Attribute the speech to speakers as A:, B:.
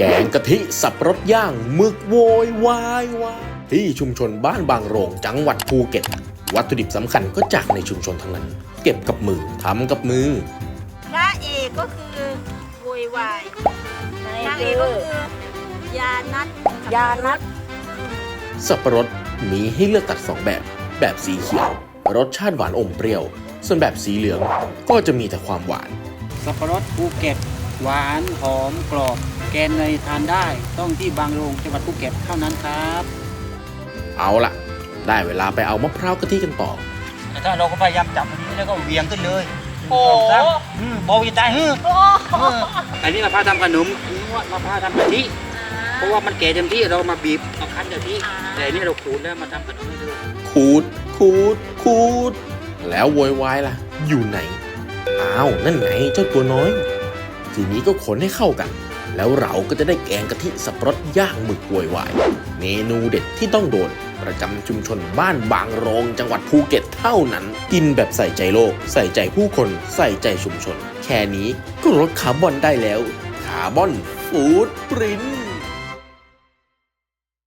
A: แกงกะทิสับปะรดย่างหมึกโวยวายที่ชุมชนบ้านบางโรงจังหวัดภูเก็ตวัตถุดิบสำคัญก็จากในชุมชนทั้งนั้นเก็บกับมือทำกับมือ
B: พระเอกก็คือโวยวายนางเอกก็คือยานัด
A: สับปะรดมีให้เลือกตัด2แบบสีเขียวรสชาติหวานอมเปรี้ยวส่วนแบบสีเหลืองก็จะมีแต่ความหวาน
C: สับปะรดภูเก็ตหวานหอมกรอบแกงเนยทานได้ต้องที่บางโรงจังหวัดภูเก็ตเท่านั้นครับ
A: เอาล่ะได้เวลาไปเอามะพร้าวกะทิกันต่อ
C: ถ้าเราก็พยายามจับอันนี้แล้วก็เวียงขึ้นเลยโอ้บอกจะตายอันนี้มะพร้าวทำขนมมะพร้าวทำกะทิเพราะว่ามันแก่เต็มที่เรามาบีบมาคั้นกะทิแต่อันนี้เราขูดแล้วมาทำขนมให้ดู
A: ขูดแล้วโวยวายล่ะอยู่ไหนอ้าวนั่นไงเจ้าตัวน้อยทีนี้ก็คนให้เข้ากันแล้วเราก็จะได้แกงกะทิสับปะรดย่างหมึกโวยวายเมนูเด็ดที่ต้องโดนประจำชุมชนบ้านบางโรงจังหวัดภูเก็ตเท่านั้นกินแบบใส่ใจโลกใส่ใจผู้คนใส่ใจชุมชนแค่นี้ก็ลดคาร์บอนได้แล้วคาร์บอนฟู้ดปรินท์